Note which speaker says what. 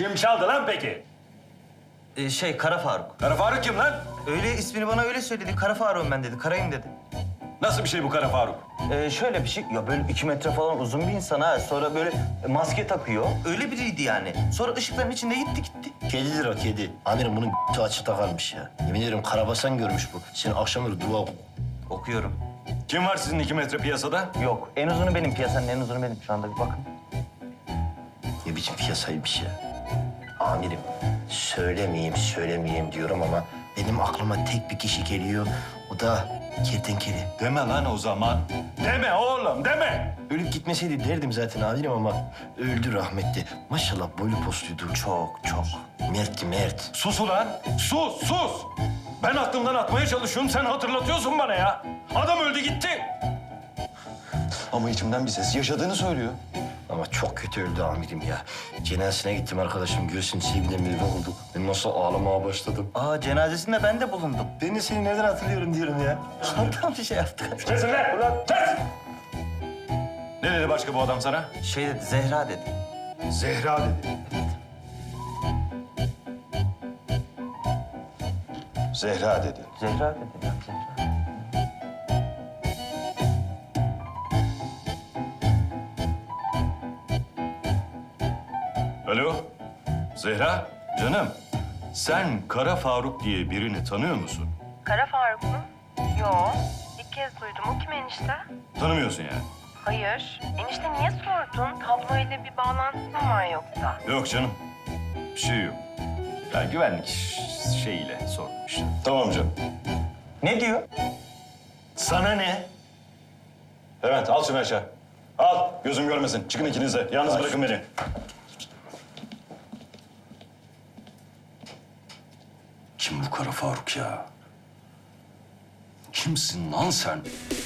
Speaker 1: Kim çaldı lan peki?
Speaker 2: Kara Faruk.
Speaker 1: Kara Faruk kim lan?
Speaker 2: Öyle ismini bana öyle söyledi. Kara Faruk'um ben dedi. Karayım dedi.
Speaker 1: Nasıl bir şey bu Kara Faruk?
Speaker 2: Şöyle bir şey. Ya böyle 2 metre falan uzun bir insan ha. Sonra böyle maske takıyor. Öyle biriydi yani. Sonra ışıkların içinde gitti.
Speaker 3: Kedidir o kedi. Amirim bunun açıkta kalmış ya. Yemin ederim karabasan görmüş bu. Sen akşamları dua oku.
Speaker 2: Okuyorum.
Speaker 1: Kim var sizin 2 metre piyasada?
Speaker 2: Yok. En uzunu benim. Piyasanın en uzunu benim. Şu anda bir bakın.
Speaker 3: Ne biçim piyasaymış ya. Amirim söylemeyeyim diyorum ama benim aklıma tek bir kişi geliyor. O da kertenkele.
Speaker 1: Deme lan o zaman. Deme oğlum deme.
Speaker 3: Ölüp gitmeseydi derdim zaten amirim ama öldü rahmetli. Maşallah boylu postuydu.
Speaker 2: Çok.
Speaker 3: Mert'ti Mert.
Speaker 1: Sus ulan. Sus. Ben aklımdan atmaya çalışıyorum. Sen hatırlatıyorsun bana ya. Adam öldü gitti. Ama içimden bir ses yaşadığını söylüyor.
Speaker 3: Ama çok kötü öldü amirim ya. Cenazesine gittim arkadaşım. Göğsün sevgiden bir oldu. Ben nasıl ağlamaya başladım.
Speaker 2: Aa cenazesinde ben de bulundum.
Speaker 3: Ben de seni nereden hatırlıyorum diyorum ya.
Speaker 2: Tam bir şey yaptık.
Speaker 1: Kesin lan ulan kes. Ne dedi başka bu adam sana?
Speaker 2: Şey dedi, Zehra dedi.
Speaker 1: Zehra dedi. Zehra dedi.
Speaker 2: Zehra dedi ya, Zehra.
Speaker 1: Alo, Zehra, canım. Sen Kara Faruk diye birini tanıyor musun?
Speaker 4: Kara Faruk mu? Yo. İlk kez duydum. O kim enişte?
Speaker 1: Tanımıyorsun yani.
Speaker 4: Hayır. Enişte niye sordun? Tabloyla bir bağlantın mı var yoksa?
Speaker 1: Yok canım, bir şey yok. Ya güvenlik şeyiyle sordum işte. Tamam canım.
Speaker 2: Ne diyor?
Speaker 1: Sana ne? Evet, al şunu aşağı. Al, gözüm görmesin. Çıkın ikiniz de. Yalnız bırakın beni. Kim bu Kara Faruk ya? Kimsin lan sen?